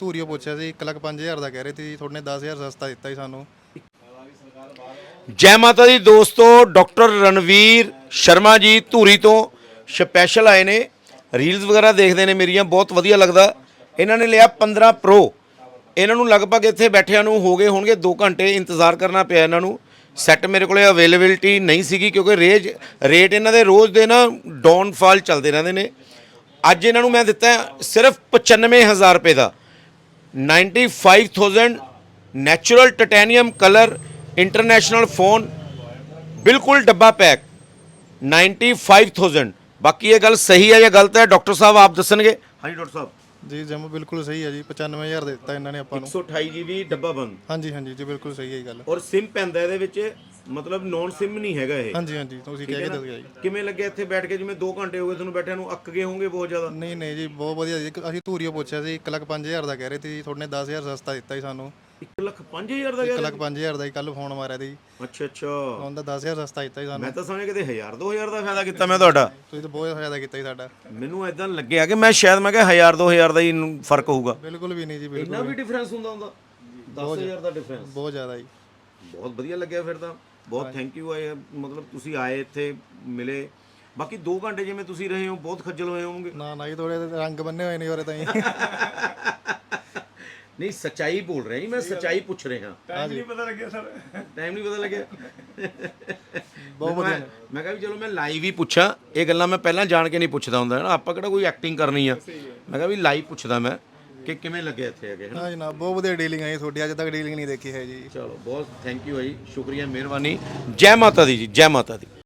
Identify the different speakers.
Speaker 1: ਧੂਰੀਓ ਪੁੱਛਿਆ ਸੀ 1,05,000 ਦਾ ਕਹਿ ਰਹੇ ਸੀ ਜੀ, ਤੁਹਾਡੇ ਨੇ 10,000 ਸਸਤਾ ਦਿੱਤਾ ਜੀ ਸਾਨੂੰ।
Speaker 2: ਜੈ ਮਾਤਾ ਦੀ ਦੋਸਤੋ, ਡਾਕਟਰ ਰਣਵੀਰ ਸ਼ਰਮਾ ਜੀ ਧੂਰੀ ਤੋਂ ਸਪੈਸ਼ਲ ਆਏ ਨੇ। ਰੀਲਸ ਵਗੈਰਾ ਦੇਖਦੇ ਨੇ ਮੇਰੀਆਂ, ਬਹੁਤ ਵਧੀਆ ਲੱਗਦਾ। ਇਹਨਾਂ ਨੇ ਲਿਆ 15 ਪ੍ਰੋ। ਇਹਨਾਂ ਨੂੰ ਲਗਭਗ ਇੱਥੇ ਬੈਠਿਆਂ ਨੂੰ ਹੋ ਗਏ ਹੋਣਗੇ 2 ਘੰਟੇ ਇੰਤਜ਼ਾਰ ਕਰਨਾ ਪਿਆ ਇਹਨਾਂ ਨੂੰ। ਸੈੱਟ ਮੇਰੇ ਕੋਲੇ ਅਵੇਲੇਬਿਲਿਟੀ ਨਹੀਂ ਸੀਗੀ ਕਿਉਂਕਿ ਰੇਟ ਇਹਨਾਂ ਦੇ ਰੋਜ਼ ਦੇ ਨਾ ਡਾਊਨਫਾਲ ਚੱਲਦੇ ਰਹਿੰਦੇ ਨੇ। ਅੱਜ ਇਹਨਾਂ ਨੂੰ ਮੈਂ ਦਿੱਤਾ ਸਿਰਫ 95,000 ਰੁਪਏ ਦਾ 95,000 natural titanium colour international phone, बिल्कुल डब्बा पैक 95,000। बाकी ये गल सही है या गलत है डॉक्टर साहब आप दसणगे। हाँ जी डॉक्टर साहब
Speaker 1: ਜੀ ਜਮ ਬਿਲਕੁਲ ਸਹੀ ਹੈ ਜੀ, 95,000 ਦੇ ਦਿੱਤਾ ਇਹਨਾਂ ਨੇ ਆਪਾਂ ਨੂੰ।
Speaker 2: 128 GB ਡੱਬਾ ਬੰਦ।
Speaker 1: ਹਾਂਜੀ ਹਾਂਜੀ ਜੀ ਬਿਲਕੁਲ ਸਹੀ ਹੈ ਇਹ ਗੱਲ।
Speaker 2: ਔਰ ਸਿਮ ਪੈਂਦਾ ਇਹਦੇ ਵਿੱਚ, ਮਤਲਬ ਨੌਨ ਸਿਮ ਨਹੀਂ ਹੈਗਾ ਇਹ।
Speaker 1: ਹਾਂਜੀ ਹਾਂਜੀ ਤੁਸੀਂ ਕਹਿ ਕੇ ਦੱਸਿਆ ਜੀ।
Speaker 2: ਕਿਵੇਂ ਲੱਗਿਆ ਇੱਥੇ ਬੈਠ ਕੇ? ਜਿਵੇਂ 2 ਘੰਟੇ ਹੋ ਗਏ ਤੁਹਾਨੂੰ ਬੈਠਿਆਂ ਨੂੰ, ਅੱਕ ਗਏ ਹੋਵੋਗੇ ਬਹੁਤ ਜ਼ਿਆਦਾ।
Speaker 1: ਨਹੀਂ ਨਹੀਂ ਜੀ ਬਹੁਤ ਵਧੀਆ ਜੀ। ਅਸੀਂ ਧੂਰੀਓ ਪੁੱਛਿਆ ਸੀ 1,05,000 ਦਾ ਕਹਿ ਰਹੇ ਸੀ ਜੀ, ਤੁਹਾਡੇ ਨੇ 10,000 ਸਸਤਾ ਦਿੱਤਾ ਜੀ ਸਾਨੂੰ।
Speaker 2: 1,05,000 ਦਾ?
Speaker 1: 1,05,000 ਦਾ ਹੀ ਕੱਲ ਫੋਨ ਮਾਰਿਆ ਸੀ।
Speaker 2: ਅੱਛਾ ਅੱਛਾ,
Speaker 1: ਉਹਦਾ 10,000 ਸਸਤਾ ਦਿੱਤਾ ਜੀ ਸਾਨੂੰ।
Speaker 2: ਮੈਂ ਤਾਂ ਸਮਝਿਆ ਕਿਤੇ 1000-2000 ਦਾ ਫਾਇਦਾ ਕੀਤਾ ਮੈਂ ਤੁਹਾਡਾ।
Speaker 1: ਤੁਸੀਂ ਤਾਂ ਬਹੁਤ ਫਾਇਦਾ ਕੀਤਾ ਜੀ ਸਾਡਾ।
Speaker 2: ਮੈਨੂੰ ਇਦਾਂ ਲੱਗਿਆ ਕਿ ਮੈਂ ਸ਼ਾਇਦ ਮੈਂ ਕਿਹਾ 1000-2000 ਦਾ ਹੀ ਫਰਕ ਹੋਊਗਾ।
Speaker 1: ਬਿਲਕੁਲ ਵੀ ਨਹੀਂ ਜੀ, ਬਿਲਕੁਲ
Speaker 2: ਇੰਨਾ ਵੀ ਡਿਫਰੈਂਸ ਹੁੰਦਾ 10,000 ਦਾ ਡਿਫਰੈਂਸ।
Speaker 1: ਬਹੁਤ ਜ਼ਿਆਦਾ ਜੀ।
Speaker 2: ਬਹੁਤ ਵਧੀਆ ਲੱਗਿਆ ਫਿਰ ਤਾਂ। ਬਹੁਤ ਥੈਂਕ ਯੂ ਆਏ, ਮਤਲਬ ਤੁਸੀਂ ਆਏ ਇੱਥੇ ਮਿਲੇ। ਬਾਕੀ 2 ਘੰਟੇ ਜਿਵੇਂ ਤੁਸੀਂ ਰਹੇ ਹੋ ਬਹੁਤ ਖੱਜਲ ਹੋਏ ਹੋਵੋਗੇ।
Speaker 1: ਨਾ ਨਾ ਜੀ, ਥੋੜੇ ਰੰਗ ਬੰਨੇ ਹੋਏ ਨੇ ਉਹਰੇ ਤਾਂ ਜੀ।
Speaker 2: ਨਹੀਂ ਸੱਚਾਈ ਬੋਲ ਰਿਹਾ ਜੀ ਮੈਂ, ਸੱਚਾਈ ਪੁੱਛ ਰਿਹਾ।
Speaker 3: ਟਾਈਮ ਨਹੀਂ ਪਤਾ ਲੱਗਿਆ ਸਰ।
Speaker 2: ਟਾਈਮ ਨਹੀਂ ਪਤਾ ਲੱਗਿਆ।
Speaker 1: ਬਹੁਤ ਵਧੀਆ।
Speaker 2: ਮੈਂ ਕਿਹਾ ਵੀ ਚਲੋ ਮੈਂ ਲਾਈਵ ਹੀ ਪੁੱਛਾਂ, ਇਹ ਗੱਲਾਂ ਮੈਂ ਪਹਿਲਾਂ ਜਾਣ ਕੇ ਨਹੀਂ ਪੁੱਛਦਾ ਹੁੰਦਾ ਨਾ, ਆਪਾਂ ਕਿਹੜਾ ਕੋਈ ਐਕਟਿੰਗ ਕਰਨੀ ਆ। ਮੈਂ ਕਿਹਾ ਵੀ ਲਾਈਵ ਪੁੱਛਦਾ ਮੈਂ ਕਿ ਕਿਵੇਂ ਲੱਗਿਆ ਇੱਥੇ ਆ ਕੇ।
Speaker 1: ਹਾਂ ਜਨਾਬ ਬਹੁਤ ਵਧੀਆ ਡੀਲਿੰਗ ਹੈ ਜੀ ਤੁਹਾਡੀ, ਅੱਜ ਤੱਕ ਡੀਲਿੰਗ ਨਹੀਂ ਦੇਖੀ ਹੈ ਜੀ।
Speaker 2: ਚਲੋ ਬਹੁਤ ਥੈਂਕ ਯੂ ਹੈ ਜੀ, ਸ਼ੁਕਰੀਆ, ਮਿਹਰਬਾਨੀ। ਜੈ ਮਾਤਾ ਦੀ ਜੀ, ਜੈ ਮਾਤਾ ਦੀ।